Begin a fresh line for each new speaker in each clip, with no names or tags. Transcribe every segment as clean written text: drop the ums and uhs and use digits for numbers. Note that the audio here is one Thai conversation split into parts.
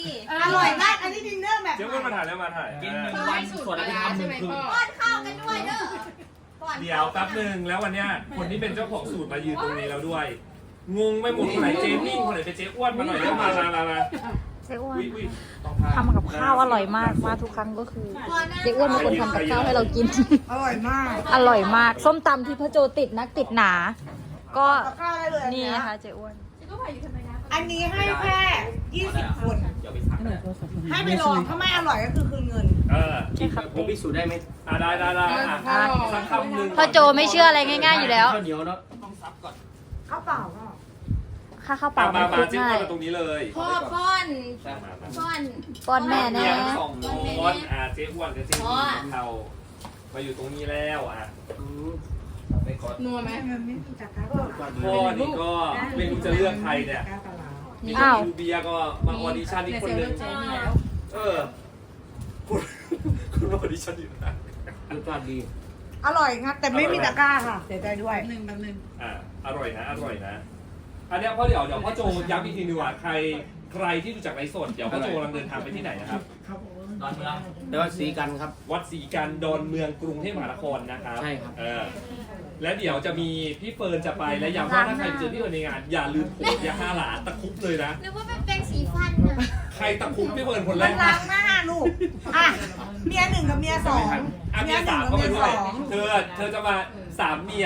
อร่อยมากอันนี้ดินเนอร์แบบ
เจ้าอ้วนมาถ่ายแล้วมาถ่าย
กิน1 วันส่วนอาทิตย์ทำ1 คืน
ป้อนข้าวกันด้วยเด้อ
เดี๋ยวแป๊บนึงแล้ววันเนี้ยคนที่เป็นเจ้าของสูตรมายืนตรงนี้แล้วด้วยงงไม่หมดคนไหนเจมิ่งคนไหนเป็นเจ๊อ้วนมาหน่อยแล้วมา
เจ๊อ้วน
อุ๊ย
ทำกับข้าวอร่อยมากมาทุกครั้งก็คือเจ๊อ้วนเป็นคนทำกับข้าวให้เรากิน
อร่อยมาก
อร่อยมากส้มตำที่พระโจติดนักติดหนา ก็
กับข้าวได้เลย
นี่นะคะเจ๊อ้วน
อันนี้ให้แค่20 คน
เดี๋ยวไปสั่งนะ
ให้ไปลองถ้าไม่อร่อยก็คือคืนเงิน
ผมพิสูจน์ได้ไหม
ได้สักคำหนึ่ง
พระโจไม่เชื่ออะไรง่ายๆอยู่แล้ว
ข้าวเหนียวเนาะต้องซับก่อน
ข้าวเปล่าก็
ค่าข้าวเปล่า
มา
ไม่คุก
เจ๊อ้ว
ง่าน ย
มาตรงนี้เลย
พ่อป้อนป้อน
ป้อนแม่แน่
เนี่ยทั้งสองคนเจ๊อ้วนกับเจ๊มิ่งเรามาอยู่ตรงนี้แล้วไปก่อน
นัวไหม
พ่อนี่ก็ไม่รู้จะเลือกใครเนี่ยมี
อ้าว
คุณเบียร์ก็มาออดิชั่นอีกคนนึงคุณมาออดิชั่นอยู่นะ
รสชาติดี
อร่อยครับแต่ไม่มีตะกร้าค่ะเสียใจด้วย
อร่อยนะอันเนี้ยพ่อเดี๋ยวพ่อโจย้ำอีกทีนึงว่าใครที่ดูจากไลฟ์สดเดี๋ยวพ่อโจกำลังเดินทางไปที่ไหนนะครับ
ดอนเมืองแต่ว่าสีกันครับ
วัดศรีกันดอนเมืองกรุงเทพมหานครนะครับ
ใช่ครับ
และเดี๋ยวจะมีพี่เฟิร์นจะไปและย้ำว่าถ้าใครไปเจอพี่เฟิร์นในงานอย่าลืมโผล่ยา5 หลาตะคุบเลยนะ
นึกว่าเป็นแปรงสีฟันนะ
ใครตะคุบพี่เฟิร์นคนแร
มัน
ก
ล้างหน้าลูกอ่ะเมีย1กับเมีย2
เมีย
1
สาม
กับ
ก็
เมี
ไป
ย
ด้วย
2
เธอจะมา3 เมีย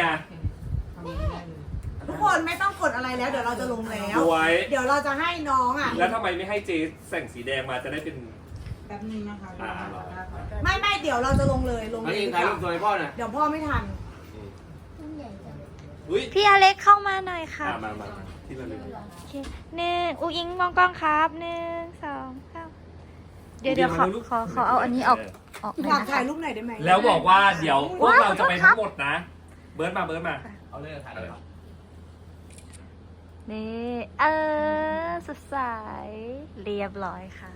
ทุกคนไม่ต้องกดอะไรแล้วเดี๋ยวเราจะลงแล้ว
สวย
เดี๋ยวเราจะให้น้องอ่ะ
แล้วทำไมไม่ให้เจ๊แต่งสีแดงมาจะได้เป็น
แป๊บนึงนะคะ
อ่า
ไม่เดี๋ยวเราจะลงเลยลง
อัน
เลย
นี้
ดีก
ถ่ายรูป
ว่า
ตัวให้พ่อหน่อย
เดี๋ยวพ่อไม่ทัน
อุ้ย
พี่อเล็กเข้ามาหน่อยค่ะ
มาที่ระลึก
โอเคอุ้งอิงมองกล้องครับ1 2 3เดี๋ยวขอเอาอันนี้ออกหน่
อยา
อย
ก
นะ
ถ่า
คะ
ยรูปไหนอยได้ไหม
แล้วบอกว่าเดี๋ยวพวกเราจะไปทั้งหมดนะ เบิร์ดมา
เอาเลยถ่ายเลยครับ
นี่สดใสเรียบร้อยค่ะ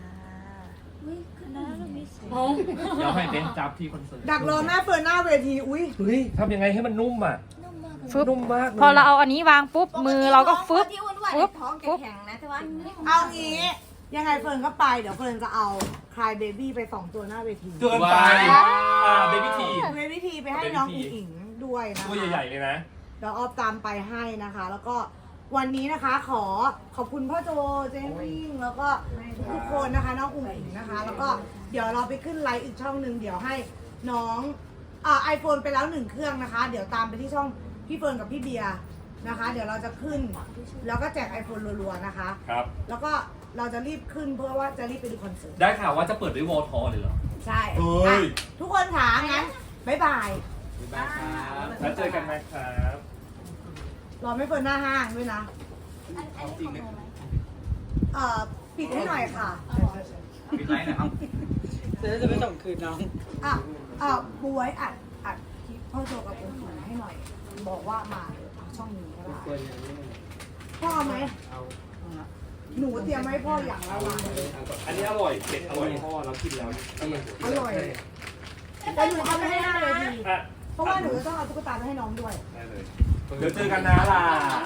เดี๋ยวให้เบนจับที่คอนเสิร์ต
ดักรอแม่เฟิร์นหน้าเวทีอุ้ย
เฮ้ยทำยังไงให้มันนุ่มอ่ะ
ฟึบ
นุ่มมาก
พอเราเอาอันนี้วางปุ๊บมือเราก็ฟึบ
ที่อ้วนๆ
ปุ๊บ
ท้องแข็งๆนะแต่ว่า
เอางี้ยังไงเฟิร์นก็ไปเดี๋ยวเฟิร์นจะเอาคลายเบบี้ไป2 ตัวหน้าเวที
เกินไปเบบี้ที
เบบี้ทีไปให้น้องอิงอิงด้วยนะคะ
ตัวใหญ่ๆเลยนะ
เดี๋ยวออฟตามไปให้นะคะ แล้วก็วันนี้นะคะขอบคุณพ่อโจเจมมิ่งแล้วก็ทุกคนนะคะน้องอุ๋งอิงนะคะ แล้วก็เดี๋ยวเราไปขึ้นไลฟ์อีกช่องหนึ่งเดี๋ยวให้น้องไอโฟนไปแล้ว1 เครื่องนะคะ เดี๋ยวตามไปที่ช่องพี่เฟิร์นกับพี่เบียร์นะคะ เดี๋ยวเราจะขึ้น แล้วก็แจก iPhone รัวๆนะคะ
ครับ
แล้วก็เราจะรีบขึ้นเพื่อว่าจะรีบไปดูคอนเสิร์ต
ได้ข่าวว่าจะเปิดด้วยวอลทอเลยเหรอ
ใช่
เฮ้ย
อ่ะทุกคนถามงั้นบ๊ายบาย
บ๊ายบายครับ
แล้วเจอกันนะครับ
รอไม่เฟิร์นหน้าห้างด้วยนะ
จริงนะ
ปิดให้หน่อยค่ะ
ปิดไลน์นะครับ
จะไม่ส่งคืนน้อง
บวยอัดคลิปพ่อโจกับผมให้หน่อย บอกว่ามาช่องนี้ก็ได้พ่อเอาไหม หนูเตรียมให้พ่ออย่างละวันเลย
อันนี้อร่อยเผ็ดอร่อยพ่อเรากินแล้ว
อร่อยแต่หนูเอาไปให้หน้าเลยที
อ่ะ
เพราะว่าหนูจะต้องเอาตุ๊กตาไปให้น้องด้วย
ได้เลยเดี๋ยวเจอกันนะล่ะ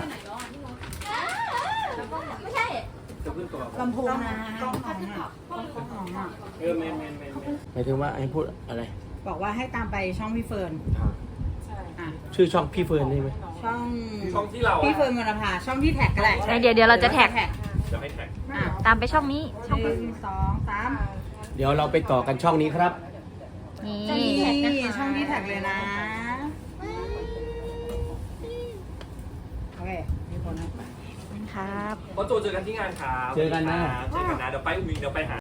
ไม่ใช่
จะขึ้นตัว
ลำโพงนะ
กล้องของอ่ะกล้องของอ่ะ
แมนหมายถึงว่าให้พูดอะไร
บอกว่าให้ตามไปช่องพี่เฟิร์นอ่ะ
ชื่อช่องพี่เฟิร์นได้ไหม
ช่อง
ช่องที่เรา
พี่เฟิร์นมรภาช่องที่แท็กก็ได้
เดี๋ยวเราจะแท็ก
จะไม่แท็ก
อ่ะ
ตามไปช่องนี้
1 2 3
เดี๋ยวเราไปต่อกันช่องนี้ครับ
นี่
นี่ช่องที่แท็กเลยนะโอเคมีคนนะ
ครับ
พ่อโจเจอกันที่งานครับ
เจอกันนะ
เจอกันนะเดี๋ยวไปอุ้งอิงเดี๋ยวไปหา